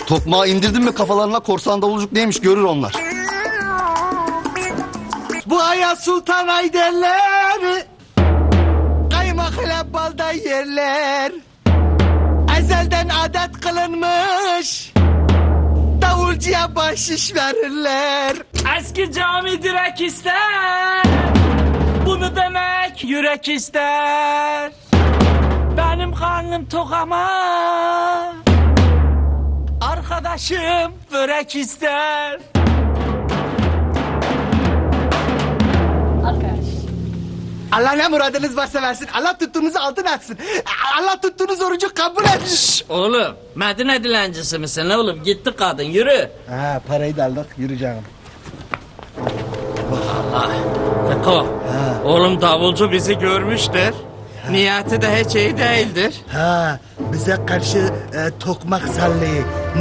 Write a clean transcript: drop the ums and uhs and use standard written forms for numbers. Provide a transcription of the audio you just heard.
Tokmağı indirdin mi kafalarına, korsan davulcuk neymiş görür onlar. Bu aya sultan ay derler, kaymak ile balda yerler. Ezelden adet kılınmış, davulcuya bahşiş verirler. Eski cami direk ister, bunu demek yürek ister. Benim karnım tok ama arkadaşım börek ister. Allah ne muradınız varsa versin. Allah tuttuğunuzu altın etsin. Allah tuttuğunuz orucu kabul etsin. Oğlum Medine dilencisi misin oğlum? Gitti kadın, yürü. Ha, parayı da aldık, yürüyeceğim. Allah. Feko, oğlum davulcu bizi görmüştür. Niyeti de hiç iyi değildir. Ha, bize karşı tokmak sallıyor.